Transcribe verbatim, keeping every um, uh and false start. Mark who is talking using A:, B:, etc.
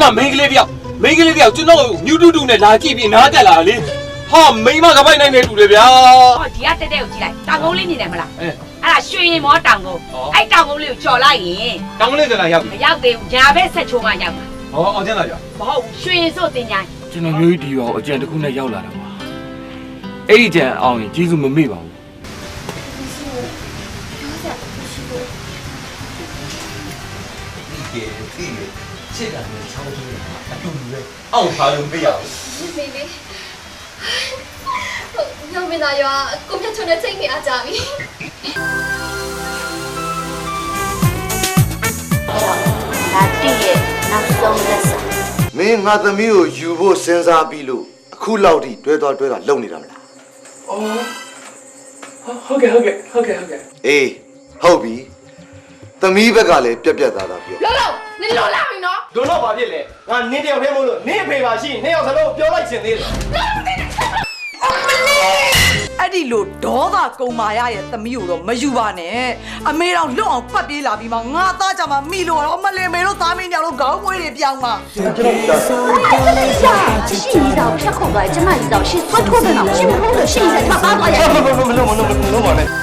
A: မှာမိန်းကလေးတယောက်မိန်းကလေးတယောက်ကျွန်တော်ညူတူတူနဲ့လာကြည့်ပြီးနားတက်လာလေဟာမိန်းမကပိုက်နိုင်နေတူတယ်ဗျာ
B: ဟောဒီကတက်တက်ကိုကြည့်လိုက်တောင်ကုန်းလေးနေတယ်မလားအဲအဲ့ဒါရွှေရင်မောတောင်ကုန်းအဲ့တောင်ကုန်းလေးကိုကျော်လိုက်ရင်
A: တောင်ကုန်းလေးကလာရောက်ပြီ
B: မရောက်သေးဘူးညာဘက်ဆက်ချိုးမှရောက်မှာ
A: ဟောအောင်ကျန်းလာကြ
B: မဟုတ်ရွှေရင်စို့တင်ညာ
C: ကျွန်တော်မျိုးကြီးဒီရောအကြံတစ်ခုနဲ့ရောက်လာတာပါအဲ့ဒီကြံအောင်ရင်ကျေးဇူးမမေ့ပါဘူး
A: ဒီဒီချစ်တာနဲ့ချောင်းကြီးအတူတူပဲအောက်ထားလို့မရဘူး
D: မေမေဟုတ်ညောင်မင်းသားရွာကိုမြတ်ချုံနဲ့ချိန်နေအားကြပြီ
E: ဒါတည့်ရဲ့နောက်ဆုံးလက်စာ
F: မင်းငါသမီးကိုယူဖို့စဉ်းစားပြီးလို့အခုလောက်ထိတွဲသွားတွဲတာလုံနေတာမလား
C: အော်ဟုတ်ကဲ့ဟုတ်ကဲ့ဟုတ်ကဲ့ဟုတ်ကဲ့
F: အေးဟုတ်ပြီသမီးဘက်ကလည်းပြက်ပြက်သားသားပြော
D: လောလောနင်လောလာပြီနော်
A: တို့တော့ဘာဖြစ်လဲငါနင်းတယောက်တည်းမို့လို့နင်းအဖေပါရှိနင်းအောင်စလုံးပြောလိုက်ချင်သေးတယ်
G: အဲ့ဒီလိုဒေါသကုံမာရရဲ့သမီးကိုတော့မယူပါနဲ့အမေတော်လွတ်အောင်ပတ်ပြေးလာပြီးမှငါသားကြမှာမိလို့တော့မလင်မေတို့သားမင်းညောင်တို့ခေါင်းမွေးတွေပြောင်းမှာ
E: ကျွန်တော်ကြာရှိနေတော့ဖြတ်ခုတ်သွားကျမကြီးတော့ရှင်းသွတ်ထိုးတယ်တော့ရှင်းမဟုတ်လို့ရှင်းစက်ထပ်ပါသွားရဲ့
A: မလို့မလို့မလို့မလို့မလို့